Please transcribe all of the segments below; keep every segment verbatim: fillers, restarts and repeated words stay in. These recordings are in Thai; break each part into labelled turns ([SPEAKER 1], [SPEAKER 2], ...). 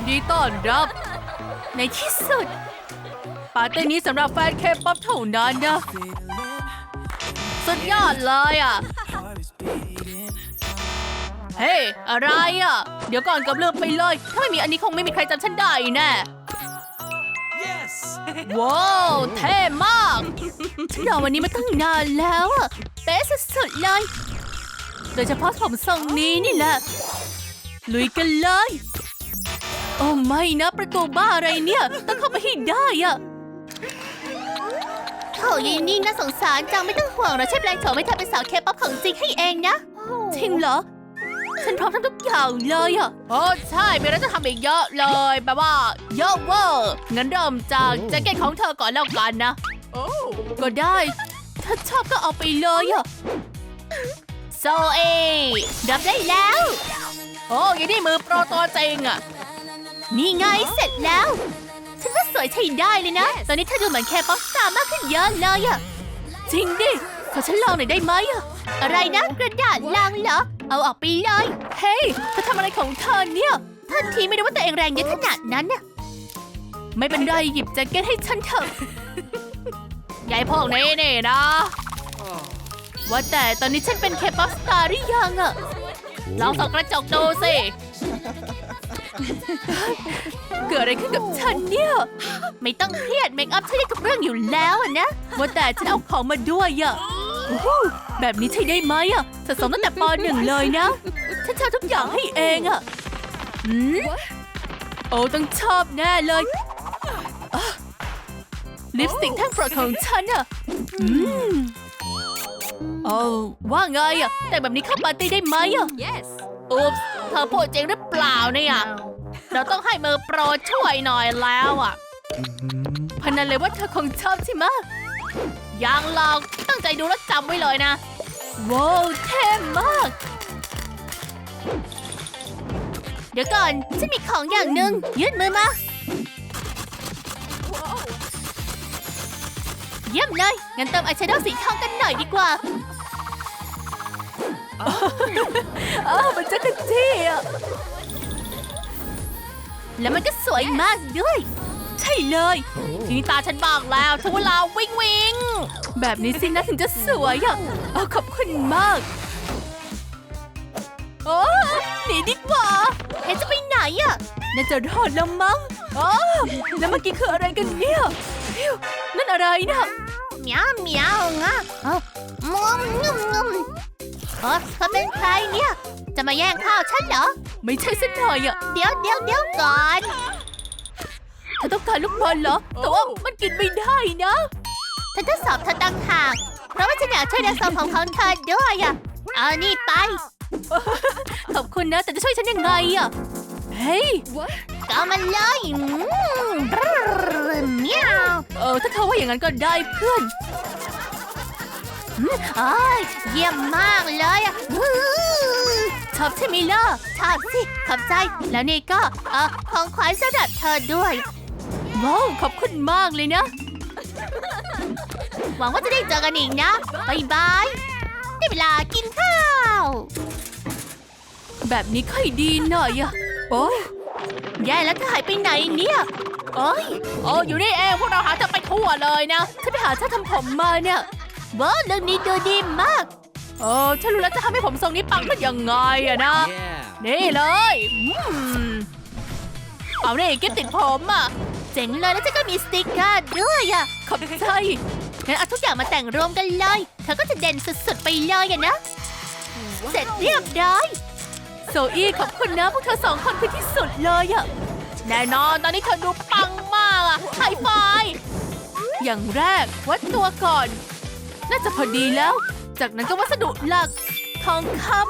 [SPEAKER 1] ดีต้อนรับในที่สุดปาร์ตี้นี้สำหรับแฟนเคป๊อปเท่านั้นนะสุดยอดเลยอ่ะเฮ้ยอะไรอ่ะเดี๋ยวก่อนกับเลือกไปเลยถ้าไม่มีอันนี้คงไม่มีใครจำฉันได้แน่ว้าวเท่มากฉันรอวันนี้มาตั้งนานแล้วอ่ะเป๊ะสุดๆเลยโดยเฉพาะผมทรงนี้นี่แหละลุยกันเลยโอ้ไม่นะประตูบ้าอะไรเนี่ยต้องเข้าไปให้ได้อะโถยนี่น่าสงสารจังไม่ต้องห่วงเราใช้แปลงโฉมให้เธอเป็นสาวเคป๊อปของจริงให้เองนะจริงเหรอฉันพร้อมทำทุกอย่างเลยอะโอ้ใช่มีอะไรจะทำอีกเยอะเลยแบบว่าเยอะเวอร์งั้นเริ่มจากแจ็คเก็ตของเธอก่อนแล้วกันนะก็ได้ถ้าชอบก็เอาไปเลยอะโซเอรับได้แล้วโอ้ยนี่มือโปรตัวจริงอะนี่ไงเสร็จแล้วฉันว่าสวยใช้ได้เลยนะ ตอนนี้เธอดูเหมือนแคป๊อปสตาร์มากขึ้นเยอะเลยอะจริงดิขอฉันลองหน่อยได้ไหมอะอะไรนะกระดาษลังเหรอเอาออกไปเลยเฮ้ยเธอทำอะไรของเธอเนี่ยทันทีไม่รู้ว่าตัวเองแรงเยอะขนาดนั้นน่ะไม่เป็นไรหยิบแจ็คเก็ตให้ฉันเถอะยายพวกนี้นี่นะว่าแต่ตอนนี้ฉันเป็นเคป๊อปสตาร์หรือยังอะลองส่องกระจกดูสิเกิดอะไรขึ้นกับฉันเนี่ยไม่ต้องเครียดเมคอัพใช้ได้ทุกเรื่องอยู่แล้วนะว่าแต่ฉันเอาของมาด้วยอะแบบนี้ใช้ได้ไหมอะสะสมตั้งแต่ป.หนึ่งเลยนะฉันชอบทุกอย่างให้เองอะอืมโอ้ต้องชอบแน่เลยลิปสติกแท่งโปรดของฉันอะอืมโอ้ว่าไงอะแต่แบบนี้เข้าปาร์ตี้ได้ไหมอะ
[SPEAKER 2] Yes
[SPEAKER 1] อุ๊บเธอพูดจริงหรือเปล่าเนี่ยเราต้องให้มือโปรช่วยหน่อยแล้วอ่ะพนันเลยว่าเธอคงชอบใช่ไหมยังลองตั้งใจดูแล้วจำไว้เลยนะว้าวเท่มากเดี๋ยวก่อนฉันมีของอย่างหนึ่งยืดมือมาเยี่ยมเลยงั้นเติมอายแชโดว์สีทองกันหน่อยดีกว่าเออมันจะกระจี้อ่ะแล้วมันก็สวยมากด้วยใช่เลยทีนี้ตาฉันบ้างแล้วถึงเวลาวิ่งวิ่งแบบนี้สินะถึงจะสวยอ่ะเออขอบคุณมากโอ้หนีดีกว่าเฮ้จะไปไหนอ่ะน่าจะรอดแล้วมั้งอ๋อแล้วเมื่อกี้คืออะไรกันเนี่ยนั่นอะไรนะเหมียวเหมียวอ่ะงุ้มงุ้มงุ้มเออเธอเป็นใครเนี่ยจะมาแย่งข้าวฉันเหรอไม่ใช่สักหน่อยอ่ะเดี๋ยวเดี๋ยวเดี๋ยวก่อนเธอต้องการลูกบอลเหรอแต่ว่ามันกินไม่ได้นะฉันจะสอบเธอตั้งหากเพราะว่าฉันอยากช่วยในสอบของของเธอด้วยอ่ะเอานี่ไปขอบคุณนะแต่จะช่วยฉันยังไงอ่ะเฮ้ยก็มันเลยเมียวเออถ้าเธอว่าอย่างนั้นก็ได้เพื่อนเอ้ยเยี่ยมมากเลยอ่ะชอบใช่ไหมล่ะชอบสิขอบใจแล้วนี่ก็เออของขวัญสำหรับเธอด้วยว้าวขอบคุณมากเลยนะหวังว่าจะได้เจอกันอีกนะบายบายได้เวลากินข้าวแบบนี้ค่อยดีหน่อยอะโอ้ยแย่แล้วเธอหายไปไหนเนี่ยโอ้ยโอ้อยู่นี่เองพวกเราหาเธอไปทั่วเลยนะฉันไปหาเธอทำผมมาเนี่ยว้าวเรื่องนี้ดูดีมากโอ้ฉันรู้แล้วจะทำให้ผมทรงนี้ปังขึ้นยังไงอะนะ
[SPEAKER 2] Yeah
[SPEAKER 1] นี่เลยเอาเนี่ยกิ๊บติดผมอะเจ๋งเลยแล้วฉันก็มีสติ๊กเกอร์ด้วยอะขอบใจงั้นเอาทุกอย่างมาแต่งรวมกันเลยเธอก็จะเด่นสุดๆไปเลยอะนะ wow. เสร็จเรียบร้อยโซอี้ขอบคุณนะพวกเธอสองคนคือที่สุดเลยอะแน่นอนตอนนี้เธอดูปังมากอะไฮไฟว์อย่างแรกวัดตัวก่อนน่าจะพอดีแล้วจากนั้นก็วัสดุหลักทองคำ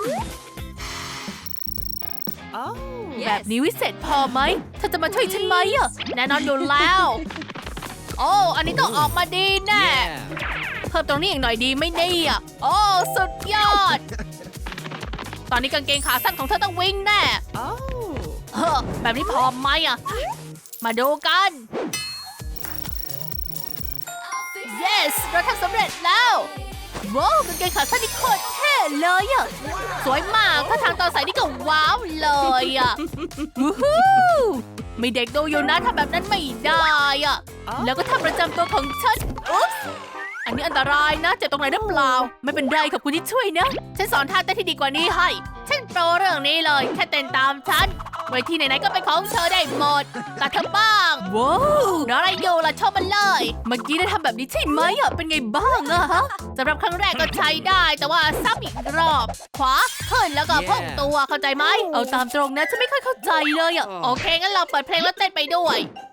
[SPEAKER 2] Oh
[SPEAKER 1] แบบนี้วิเศษพอไหมเธอจะมาช่วยฉันไหมอ่ะแน่นอนอยู่แล้วโอ้อันนี้ต้องออกมาดีแน่
[SPEAKER 2] Yeah
[SPEAKER 1] เพิ่มตรงนี้อีกหน่อยดีไหม่นี่อ่ะโอ้สุดยอดตอนนี้กางเกงขาสั้นของเธอต้องวิ่งแน่
[SPEAKER 2] Oh
[SPEAKER 1] เฮ้อแบบนี้พอไหมอ่ะมาดูกัน yes เราทำสำเร็จแล้วว้าวกางเกงขาสั้นนี่โคตรเท่เลยอ่ะสวยมากถ้าทางตอนใส่นี่ก็ว้าวเลยอ่ะวู้ฮู้ไม่เด็กดูอยู่นะทำแบบนั้นไม่ได้อะแล้วก็ทำประจำตัวของฉันอุ๊บอันนี้อันตรายนะเจ็บตรงไหนหรือเปล่าไม่เป็นไรขอบคุณที่ช่วยนะฉันสอนท่าเต้นที่ดีกว่านี้ให้ฉันโปรเรื่องนี้เลยแค่เต้นตามฉันเวทีไหนๆก็เป็นของเธอได้หมดตัดเธอบ้างว้าวอะไรอยู่ล่ะชอบมันเลยเมื่อกี้ได้ทำแบบนี้ใช่ไหมอ่ะเป็นไงบ้างอะฮะสำหรับครั้งแรกก็ใช้ได้แต่ว่าซ้ำอีกรอบขวาขึ้นแล้วก็พุ่งตัวเข้าใจไหมเอาตามตรงนะฉันไม่ค่อยเข้าใจเลยอ่ะโอเคงั้นเราเปิดเพลงแล้วเต้นไปด้วย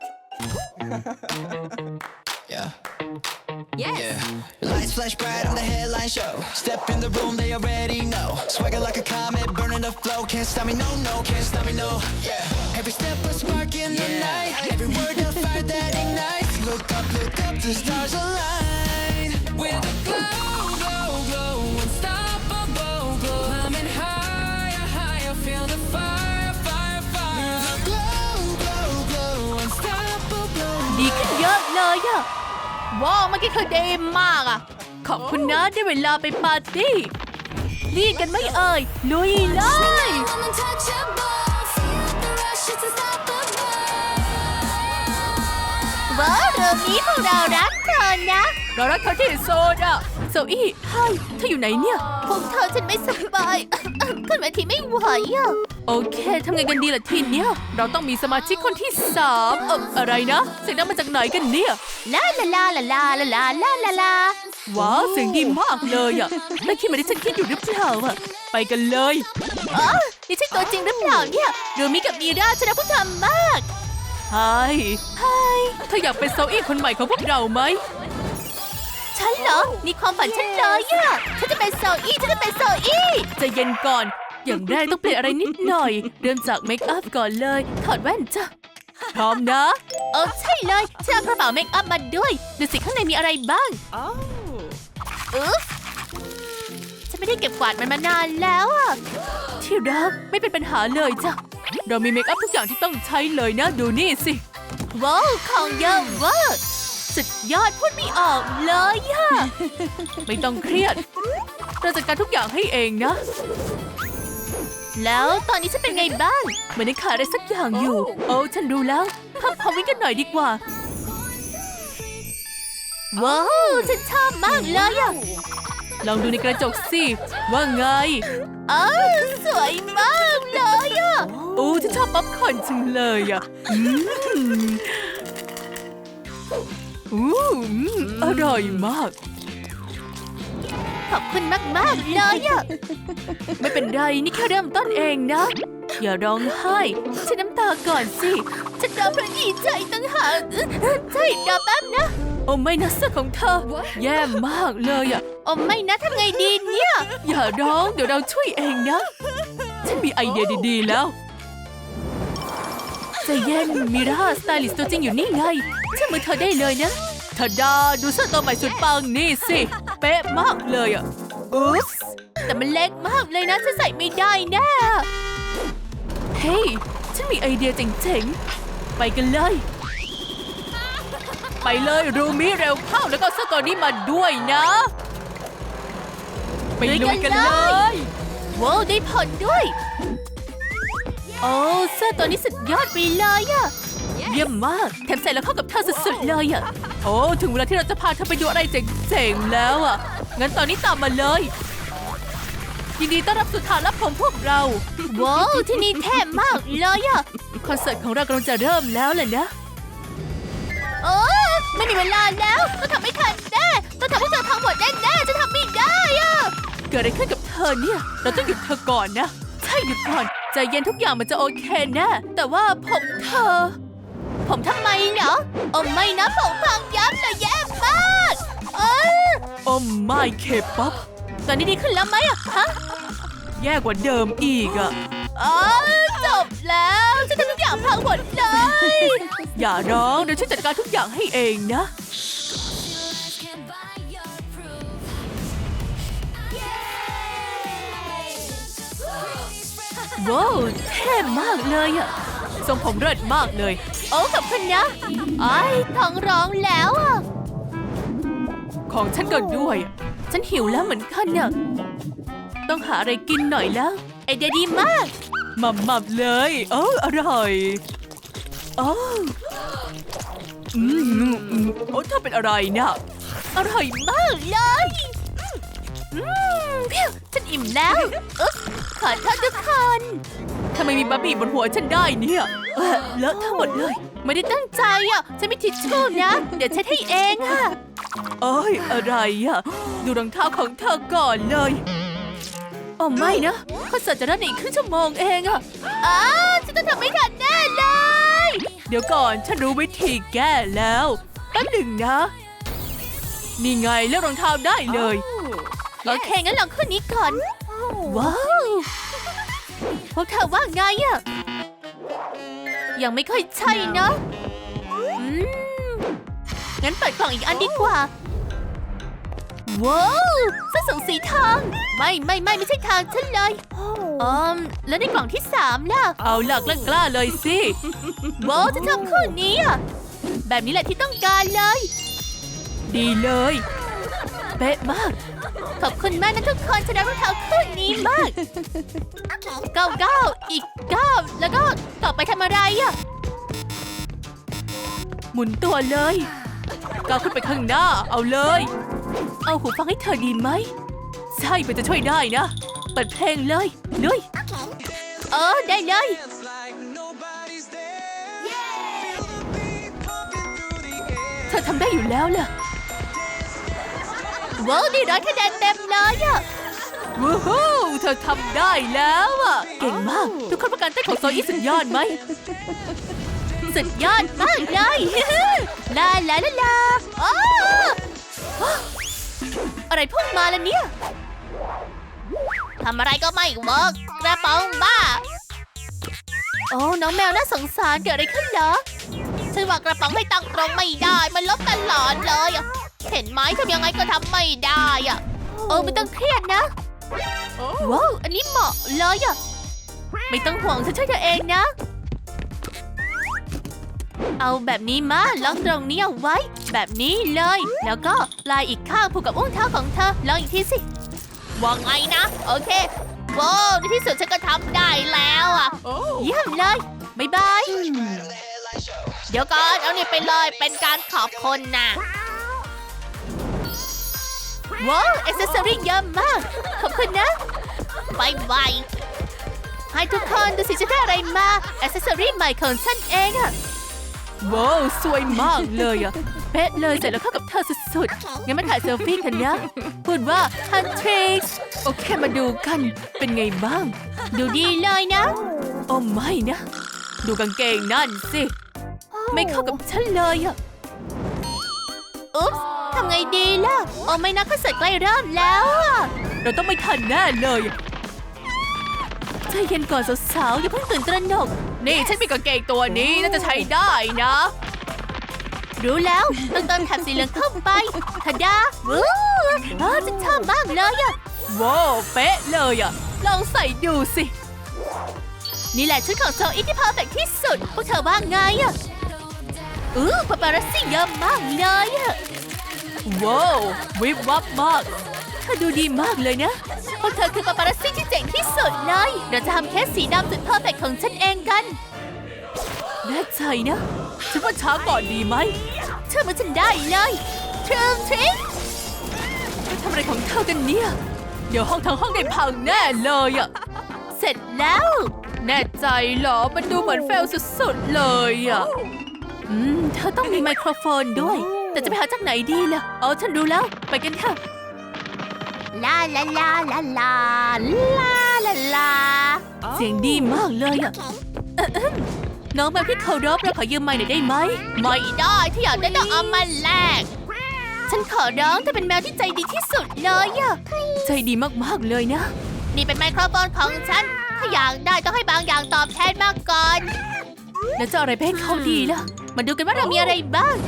[SPEAKER 2] Yeah. Yeah. Lights flash bright on the headline show. Step in the room, they already know. Swagger like a comet, burning the flow. Can't stop me, no, no, can't stop me, no. Yeah. Every step a spark in the night. Every word a fire that ignites. Look up, look up, the stars align. With a glow, glow, glow, unstoppable glow. Climbing higher, higher, feel the fire, fire, fire. With a glow, glow, glow, unstoppable.
[SPEAKER 1] ดีขึ้นเยอะเลยอะว้าวเมื่อกี้คือดีมากอะขอบคุณนะได้เวลาไปปาร์ตี้รีดกันไหม่เอ่ยลุยเลย ว้าวเรื่องนี้พวกเรารักเธอนะเรารักเธอที่สุดอะโซอี้ไฮเธออยู่ไหนเนี่ยพวกเธอฉันไม่สบาย ขึ้นเวทีไม่ไหวอะโอเคทำไงกันดีล่ะทีเนี้ยเราต้องมีสมาชิกคนที่สามเอออะไรนะเสียงดังมาจากไหนกันเนี่ยลาลาลาลาลาลาลาลาลาลาว้าวเสียงดีมากเลยอะแล้วคิดเหมือนที่ฉันคิดอยู่หรือเปล่าอะไปกันเลยอ๋อนี่ใช่ตัวจริงหรือเปล่าเนี่ยเรือมิกับมีราชนะผู้ทำมากไฮไฮเธออยากเป็นโซอี้คนใหม่ของพวกเราไหมฉันเหรอนี่ความฝันฉันเลยอะฉันจะเป็นโซอี้ฉันจะเป็นโซอี้ใจเย็นก่อนอย่างแรกต้องเปลี่ยนอะไรนิดหน่อยเริ่มจากเมคอัพก่อนเลยถอดแว่นจ้ะพร้อมนะเออใช่เลยฉันเอากระเป๋าเมคอัพมาด้วยดูสิข้างในมีอะไรบ้างเออฉันไม่ได้เก็บกวาดมันมานานแล้วอะที่รักไม่เป็นปัญหาเลยจ้ะเรามีเมคอัพทุกอย่างที่ต้องใช้เลยนะดูนี่สิว้าวของเยอะเวอร์สุดยอดพูดไม่ออกเลยอะไม่ต้องเครียดเราจัดการทุกอย่างให้เองนะแล้วตอนนี้ฉันเป็นไงบ้างเหมือนได้ขาดอะไรสักอย่างอยู่โอ้ฉันรู้แล้วพักพอวิ่งกันหน่อยดีกว่าว้าวฉันชอบมากเลยอะลองดูในกระจกสิว่าไงเออสวยมากเลยอะโอ้ฉันชอบป๊อปคอร์นจังเลยอะอืมอืมอร่อยมากขอบคุณมากๆเลยอะไม่เป็นไรนี่แค่เริ่มต้นเองนะอย่าร้องไห้ฉันน้ำตาก่อนสิฉันร้องเพราะดีใจตั้งหากใช่เดี๋ยวแป๊บนะโอ้ไม่นะเสื้อของเธอแย่มากเลยอะโอ้ไม่นะทำไงดีเนี่ยอย่าร้องเดี๋ยวเราช่วยเองนะฉันมีไอเดียดีๆแล้วใจเย็นมิราสไตลิสต์ตัวจริงอยู่นี่ไงเชื่อมือเธอได้เลยนะทาดาดูเสื้อตัวใหม่สุดปังนี่สิเป๊ะมากเลยอ่ะอุ๊สแต่มันเล็กมากเลยนะฉันใส่ไม่ได้แน่เฮ้ยฉันมีไอเดียเจ๋งๆไปกันเลยไปเลยรูมิเร็วเข้าแล้วก็เสื้อตัวนี้มาด้วยนะไปลุยกันเลยว้าวได้ผลด้วยโอ้เสื้อตัวนี้สุดยอดไปเลยอะเยี่ยมมากแถมใส่แล้วเข้ากับเธอสุดๆเลยอะโอ้ถึงเวลาที่เราจะพาเธอไปดูอะไรเจ๋งๆแล้วอะงั้นตอนนี้ตามมาเลยยินดีต้อนรับสู่ฐานลับของพวกเราว้าวที่นี่เท่มากเลยอะคอนเสิร์ตของเรากำลังจะเริ่มแล้วแหละนะโอ้ไม่มีเวลาแล้วต้องทำไม่ทันแน่ต้องทำให้เธอพังหมดแน่ๆจะทำไม่ได้อะเกิดอะไรขึ้นกับเธอเนี่ยเราต้องหยุดเธอก่อนนะใช่หยุดก่อนใจเย็นทุกอย่างมันจะโอเคแน่แต่ว่าผมเธอผมทำไมเนาะโอ้ไม่นะผมพังยับเลยแย่มากเออโอ้ไม่เคป๊อปตอนนี้ดีขึ้นแล้วไหมอะฮะแย่กว่าเดิมอีกอะอ๋อจบแล้วฉันทำทุกอย่างพังหมดเลยอย่าร้องเดี๋ยวฉันจัดการทุกอย่างให้เองนะว้าวเท่มากเลยอะทรงผมเลิศมากเลยโอ้ขอบคุณนะไอ้ท้องร้องแล้วอะของฉันก็ด้วยฉันหิวแล้วเหมือนกันน่ะต้องหาอะไรกินหน่อยแล้วไอเดียดีมากหม่ำๆเลยโอ้อร่อยโอ้อืมอืมโอ้เธอเป็นอะไรนะอร่อยมากเลยอืมเพี้ยวฉันอิ่มแล้วอุ๊บขอโทษทุกคนทำไมมีบะหมี่บนหัวฉันได้เนี่ยเออเลอะทั้งหมดเลยไม่ได้ตั้งใจอ่ะฉันมีทิชชู่นะเดี๋ยวเช็ดให้เองค่ะเอ้ยอะไรอ่ะดูรองเท้าของเธอก่อนเลยโอ้ไม่นะคอนเสิร์ตจะเริ่มในอีกครึ่งชั่วโมงเองอะอ้าฉันจะทำไม่ทันแน่เลยเดี๋ยวก่อนฉันรู้วิธีแก้แล้วแป๊บหนึ่งนะนี่ไงเลือกรองเท้าได้เลยโอเคงั้นลองคู่นี้ก่อนว้าวพวกเธอว่าไงอะยังไม่ค่อยใช่นะอืมงั้นเปิดกล่องอีกอันดีกว่าว้าวเสื้อสูงสีทองไม่ไม่ไม่ไม่ใช่ทางฉันเลยอืมแล้วในกล่องที่สามล่ะเอาล่ะกล้ากล้าเลยสิว้าวจะชอบคู่นี้อ่ะแบบนี้แหละที่ต้องการเลยดีเลยเป๊ะมากขอบคุณมากนะทุกคนฉันรักรองเท้าคู่นี้มากเก้าเก้าอีกเก้าแล้วก็ต่อไปทำอะไรอ่ะหมุนตัวเลยก้าวขึ้นไปข้างหน้าเอาเลยเอาหูฟังให้เธอดีไหมใช่มันจะช่วยได้นะเปิดเพลงเลยลุยเออได้เลยเธอทำได้อยู่แล้วล่ะว้าวดีร้อยคะแนนเต็มเลยอะว้าวเธอทำได้แล้วอะเก่งมากทุกคนประกันเต้นของโซอี้สุดยอดไหมสุดยอดมากเลยลาลาลาลาอ้าอะไรพุ่งมาแล้วเนี่ยทำอะไรก็ไม่เวิร์กกระป๋องบ้าโอ้น้องแมวน่าสงสารเกิดอะไรขึ้นเหรอฉันว่ากระป๋องไม่ตั้งตรงไม่ได้มันลบตลอดเลยเห็นไหมทำยังไงก็ทำไม่ได้อะเออไม่ต้องเครียดนะว้าวอันนี้เหมาะเลยอะไม่ต้องห่วงฉันช่วยเธอเองนะเอาแบบนี้มาล็อกตรงนี้เอาไว้แบบนี้เลยแล้วก็ลายอีกข้างผูกกับอุ้งเท้าของเธอลองอีกทีสิว่าไงนะโอเคว้าวในที่สุดฉันก็ทำได้แล้วอ่ะเยี่ยมเลยบ๊ายบายเดี๋ยวก่อนเอานี่ไปเลยเป็นการขอบคุณนะว้าวแอคเซสซอรี่เยอะมากขอบคุณนะบายบายให้ทุกคนดูสิฉันได้อะไรมาแอคเซสซอรี่ใหม่ของฉันเองอะว้าวสวยมากเลยอะเป๊ะเลยใส่แล้วเข้ากับเธอสุดๆงั้นมาถ่ายเซลฟี่กันนะพูดว่าฮันทริกส์โอเคมาดูกันเป็นไงบ้างดูดีเลยนะโอ้ไม่นะดูกางเกงนั่นสิไม่เข้ากับฉันเลยอะอุ๊บทำไงดีล่ะโอ้ไม่นะคอนเสิร์ตใกล้เริ่มแล้วอะเราต้องไม่ทันแน่เลยใจเย็นก่อนสาวๆอย่าเพิ่งตื่นตระหนกนี่ฉันมีกางเกงตัวนี้น่าจะใช้ได้นะรู้แล้วต้องเติมแถบสีเหลืองเข้าไปทะดาว้าวฉันชอบมากเลยอะว้าวเป๊ะเลยอะลองใส่ดูสินี่แหละชุดของโซอี้ที่เพอร์เฟกต์ที่สุดพวกเธอว่าไงอะอือปาปารัสซี่เยอะมากเลยอะว้าววิบวับมากเธอดูดีมากเลยนะพวกเธอคือปาปารัสซี่ที่เจ๋งที่สุดเลยเราจะทำเคสสีดำสุดเพอร์เฟกต์ของฉันเองกันแน่ใจนะฉันว่าช้าก่อนดีไหมเชื่อมันฉันได้เลยทริมทริมทำอะไรของเธอกันเนี่ยเดี๋ยวห้องทั้งห้องได้พังแน่เลยอะเสร็จแล้วแน่ใจเหรอมันดูเหมือนเฟลสุดๆเลยอะอืมเธอต้องมีไมโครโฟนด้วยแต่จะไปหาจากไหนดีล่ะอ๋อฉันรู้แล้วไปกันเถอะลาลาลาลาลาลาลาลาเสียงดีมากเลยอะน้องแมวที่เคารพเราขอยืมไมค์หน่อยได้ไหมไม่ได้ถ้าอยากได้ต้องเอามาแลกฉันขอร้องเธอเป็นแมวที่ใจดีที่สุดเลยอะใจดีมากๆเลยนะนี่เป็นไมโครโฟนของฉันถ้าอยากได้ต้องให้บางอย่างตอบแทนมาก่อนแล้วจะอะไรไปให้เขาดีล่ะมาดูกันว่าเรามีอะไรบ้าง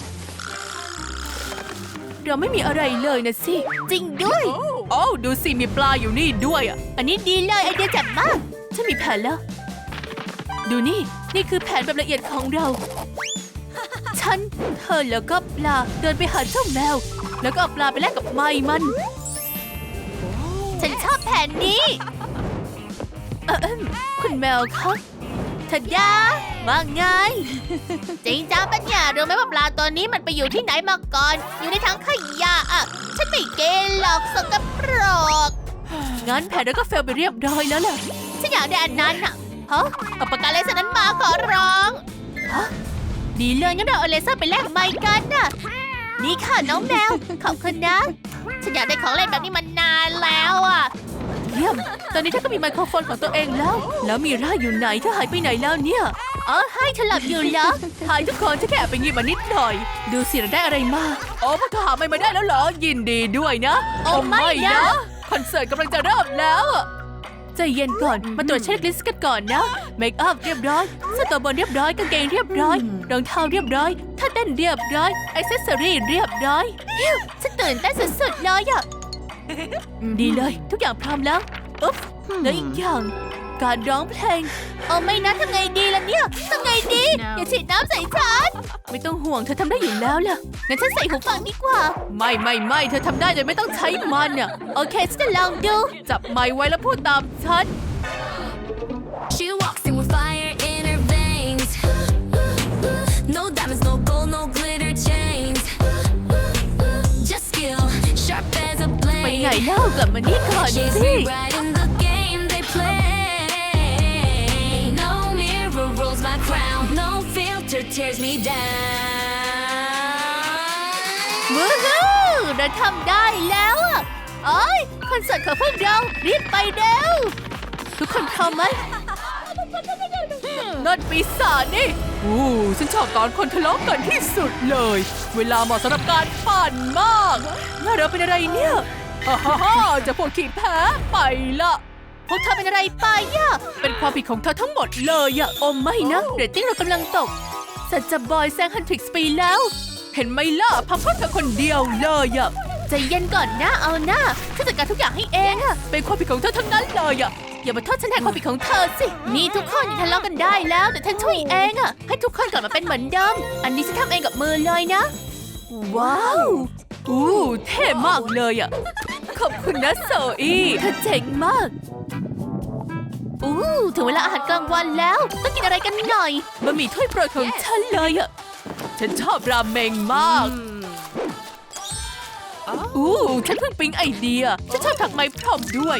[SPEAKER 1] เราไม่มีอะไรเลยนะสิจริงด้วยโอ้ดูสิมีปลาอยู่นี่ด้วยอ่ะอันนี้ดีเลยไอเดียแจ่มมากฉันมีแผนแล้วดูนี่นี่คือแผนแบบละเอียดของเราฉันเธอแล้วก็ปลาเดินไปหาเจ้าแมวแล้วก็เอาปลาไปแลกกับไม้มันฉันชอบแผนนี้เออคุณแมวครับทะดาว่าไง จริงจ้าปัญญารู้ไหมว่าปลาตัวนี้มันไปอยู่ที่ไหนมาก่อน อยู่ในถังขยะอ่ะ ฉันไม่เกณฑ์หรอกสกปรก งั้นแผนเราก็เฟลไปเรียบร้อยแล้วล่ะ ฉันอยากได้อันนั้นอ่ะฮะเอาปากกาเลเซอร์นั้นมาขอร้องฮะดีเลยงั้นเราเอาเลเซอร์ไปแลกไมค์กันน่ะ นี่ค่ะน้องแมว ขอบคุณนะ ฉันอยากได้ของเล่นแบบนี้มานานแล้วอ่ะ เยี่ยม ตอนนี้เธอก็มีไมโครโฟนของตัวเองแล้ว แล้วมีร่าอยู่ไหนเธอหายไปไหนแล้วเนี่ย อ๋อให้ฉันหลับอยู่แล้วทายทุกคนฉันแค่แอบไปงีบมานิดหน่อย ดูสิเราได้อะไรมาโอ้พวกเธอหาไม่มาได้แล้วเหรอ ยินดีด้วยนะ โอ้ไม่นะคอนเสิร์ตกำลังจะเริ่มแล้วใจเย็นก่อน มาตรวจเช็คลิสต์กันก่อนนะ เมคอัพเรียบร้อยเสื้อตัวบนเรียบร้อย กางเกงเรียบร้อย รองเท้าเรียบร้อยท่าเต้นเรียบร้อยอิเซสซอรี่เรียบร้อยฮิวฉันตื่นเต้นสุดๆเลยอะดีเลยทุกอย่างพร้อมแล้วอุ๊บแล้วอีกอย่างการร้องเพลงเอาไม่นะทำไงดีล่ะเนี่ยทำไงดี อย่าฉีดน้ำใส่ฉันไม่ต้องห่วงเธอทำได้อยู่แล้วล่ะงั้นฉันใส่หูฟังดีกว่าไม่ไม่ไม่เธอทำได้โดยไม่ต้องใช้มันเนี่ยโอเคฉันจะลองดูจับไมค์ไว้แล้วพูดตามฉัน
[SPEAKER 3] She walks in with fire in her veins. No diamonds, no gold, no glitter chains. Just skill, sharp as a
[SPEAKER 1] ไปไหน
[SPEAKER 3] blade.
[SPEAKER 1] เล่ากลับมานี่ก่อน
[SPEAKER 3] She's
[SPEAKER 1] สิ
[SPEAKER 3] rewriting the game they play. No mirror rolls my crown. No filter tears me down.
[SPEAKER 1] วู้ฮู้เราทำได้แล้วอะโอ้ยคอนเสิร์ตของพวกเรารีบไปเร็วทุกคนพร้อมไหมนั่นปีศาจนี่อู้ฉันชอบตอนคนทะเลาะกันที่สุดเลย เวลาเหมาะสำหรับการปั่นมากน่าเราเป็นอะไรเนี่ยฮ่าฮ่าฮ่าจะพวกขี้แพ้ไปละพวกเธอเป็นอะไรไปอะเป็นความผิดของเธอทั้งหมดเลยอะโอ้ไม่นะเรตติ้งเรากำลังตกสัจจะบอยแซงฮันทริกส์ไปแล้ว เห็นไหมล่ะพับเพราะเธอคนเดียวเลยอะใจเย็นก่อนนะเอาหน้าฉันจัดการทุกอย่างให้เองอะเป็นความผิดของเธอทั้งนั้นเลยอะอย่ามาโทษฉันแทนความผิดของเธอสินี่ทุกคนอย่าทะเลาะกันได้แล้วแต่ฉันช่วยเองอะให้ทุกคนกลับมาเป็นเหมือนเดิมอันนี้ฉันทำเองกับมือเลยนะว้าวอู้เท่มากเลยอะขอบคุณนะโซอี้เธอเจ๋งมากอู้ถึงเวลาอาหารกลางวันแล้วต้องกินอะไรกันหน่อยบะหมี่ถ้วยโปรดของฉันเลยอะฉันชอบราเมงมากอู้ฉันเพิ่งปิ๊งไอเดียฉันชอบถักไหมพร้อมด้วย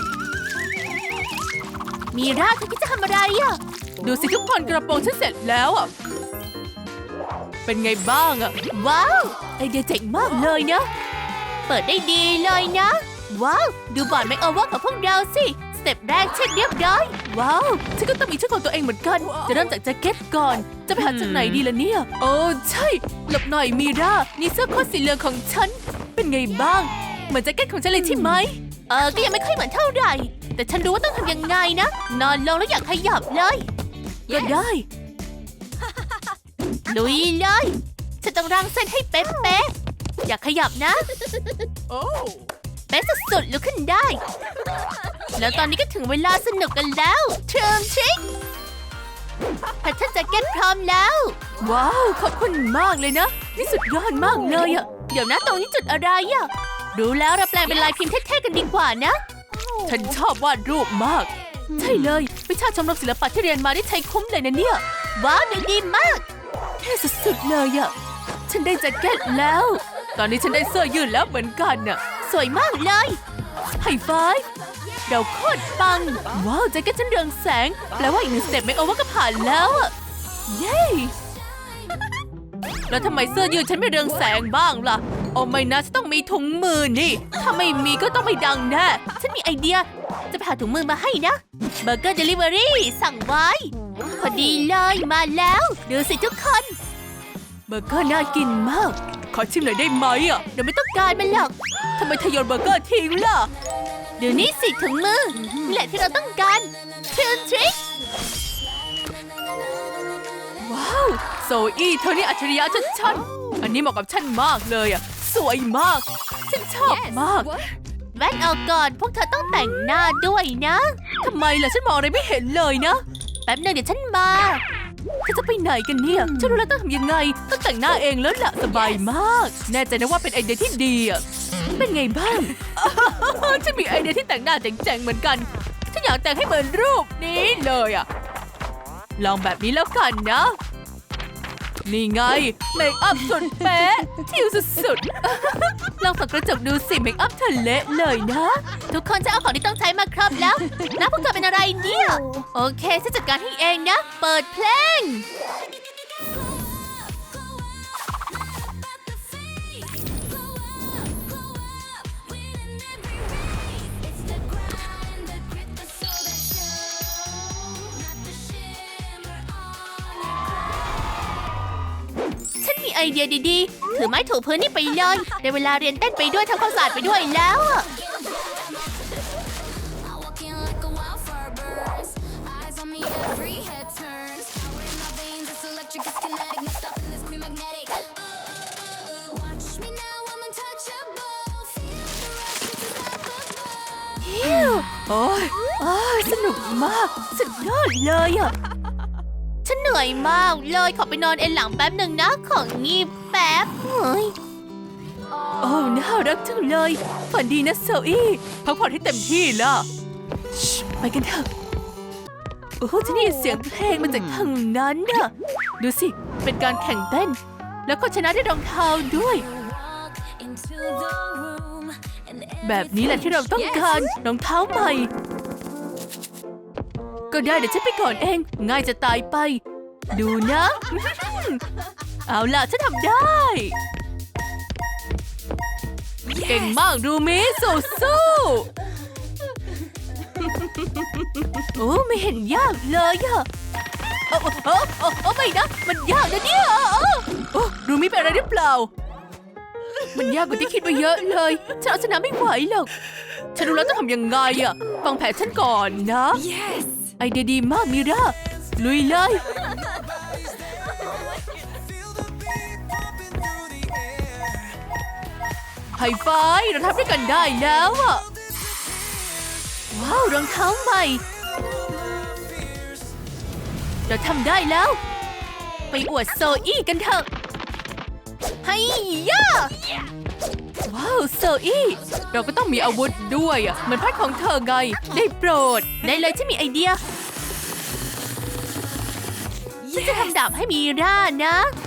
[SPEAKER 1] มีราเธอคิดจะทำอะไรอะดูสิทุกคนกระโปรงฉันเสร็จแล้วอะเป็นไงบ้างอะว้าวไอเดียเจ๋งมากเลยนะเปิดได้ดีเลยนะว้าวดูบอร์ดไมโอเวอร์ของพวกเราสิสเต็ปแรกเช็คเรียบร้อยว้าวฉันก็ต้องมีชุดของตัวเองเหมือนกันจะเริ่มจากแจ็คเก็ตก่อนจะไปหาจากไหนดีล่ะเนี่ยโอ้ใช่หลบหน่อยมีรานี่เสื้อโค้ทสีเหลืองของฉันเป็นไงบ้างเหมือนแจ็คเก็ตของฉันเลยใช่ไหมเออก็ยังไม่ค่อยเหมือนเท่าไหร่แต่ฉันรู้ว่าต้องทำยังไงนะนอนลงแล้วอยากขยับเลยก็ได้ลุยเลยฉันต้องรังเส้นให้เป๊ะๆอยากขยับนะโอ้เป๊ะสุดๆลุกขึ้นได้แล้วตอนนี้ก็ถึงเวลาสนุกกันแล้วเทิร์มชิคแพทเทิร์นแจ็คเก็ตพร้อมแล้วว้าวขอบคุณมากเลยนะนี่สุดยอดมากเลยอะเดี๋ยวนะตรงนี้จุดอะไรอะรู้แล้วเราแปลงเป็นลายพิมพ์เท่ๆกันดีกว่านะฉันชอบวาดรูปมากใช่เลยวิชาชมรมศิลปะที่เรียนมาได้ใช้คุ้มเลยนะเนี่ยว้าวดูดีมากเท่สุดๆเลยอะฉันได้แจ็คเก็ตแล้วตอนนี้ฉันได้เสื้อยืดแล้วเหมือนกันน่ะสวยมากเลยไฮไฟว์เราโคตรปังว้าวแจ็คเก็ตฉันเรืองแสงแปลว่าอีกหนึ่งสเต็ปไม่โอเวอร์ก็ผ่านแล้วอะเย้แล้วทำไมเสื้อยืดฉันไม่เรืองแสงบ้างล่ะโอ้ไม่นะฉันต้องมีถุงมือนี่ถ้าไม่มีก็ต้องไม่ดังแน่ฉันมีไอเดียจะไปหาถุงมือมาให้นะเบอร์เกอร์เดลิเวอรี่สั่งไว้พอดีเลยมาแล้วดูสิทุกคนเบอร์เกอร์น่ากินมากขอชิมหน่อยได้ไหมอ่ะเดี๋ยวไม่ต้องการมันหรอกทำไมเธอโยนเบอร์เกอร์ทิ้งล่ะเดี๋ยวนี้สิถุงมือนี่แหละที่เราต้องการเทิร์นทริคว้าวโซอี้เธอนี่อัจฉริยะชัดๆอันนี้เหมาะกับฉันมากเลยอ่ะสวยมากฉันชอบมากแว่นเอาก่อนพวกเธอต้องแต่งหน้าด้วยนะทำไมล่ะฉันมองอะไรไม่เห็นเลยนะแป๊บนึงเดี๋ยวฉันมาเธอจะไปไหนกันเนี่ยฉันรู้แล้วต้องทำยังไงต้องแต่งหน้าเองแล้วล่ะสบายมากแน่ใจนะว่าเป็นไอเดียที่ดีอ่ะเป็นไงบ้าง ฉันมีไอเดียที่แต่งหน้าเจ๋งๆเหมือนกันฉันอยากแต่งให้เหมือนรูปนี้เลยอ่ะลองแบบนี้แล้วกันนะ นี่ไงเมคอัพสุดเป๊ะทิวสุดๆ ลองส่องกระจกดูสิเมคอัพเธอเละเลยนะ ทุกคนจะเอาของที่ต้องใช้มาครบแล้วนะพวกเธอเป็นอะไรเนี่ย โอเคฉันจัดการให้เองนะ เปิดเพลง ฉันมีไอเดียดีๆ ถือไม้ถูพื้นนี่ไปเลยได้เวลาเรียนเต้นไปด้วยทำความสะอาดไปด้วยแล้วอะ
[SPEAKER 3] Walking like a wildfire burns. Eyes on me, every head turns. Power in my veins, it's electric, it's kinetic. No stopping this pre-magnetic. Watch me now, I'm untouchable. Feel the rush, it's unstoppable.
[SPEAKER 1] ฮิวโอ้ยโอ้ยสนุกมาก สุดยอดเลยอะฉันเหนื่อยมากเลยขอไปนอนเอนหลังแป๊บหนึ่งนะ ของงีบแป๊บเฮ้ยโอ้น่ารักจังเลย ฝันดีนะโซอี้พักผ่อนให้เต็มที่ล่ะชิไปกันเถอะ โอ้ฉันได้ยินเสียงเพลงมาจากทางนั้นน่ะ ดูสิ เป็นการแข่งเต้น แล้วก็ชนะด้วยรองเท้าด้วย
[SPEAKER 3] Walk into the room, and
[SPEAKER 1] แบบนี้แหละที่เราต้องการรองเท้าใหม่ ก็ได้เดี๋ยวฉันไปก่อนเอง ง่ายจะตายไป ดูนะ เอาล่ะฉันทำได้ เก่งมากรูมิสู้สู้โอ้ไม่เห็นยากเลยอะโอ้โอ้โอ้โอ้ไม่นะ มันยากนะเนี่ยโอ้รูมิเป็นอะไรหรือเปล่า มันยากกว่าที่คิดไว้เยอะเลยฉันเอาชนะไม่ไหวหรอก ฉันรู้แล้วต้องทำยังไงอะฟังแผนฉันก่อนนะ yes ไอเดียดีมากมิราลุยเลย ไฮไฟว์เราทำด้วยกันได้แล้วอะว้าวรองเท้าใหม่ เราทำได้แล้ว ไปอวดโซอี้กันเถอะไฮย่าว้าวโซอี้เราก็ต้องมีอาวุธด้วยอะเหมือนพัดของเธอไงได้โปรดได้เลยฉันมีไอเดียฉันจะทำดาบให้มีร่านะ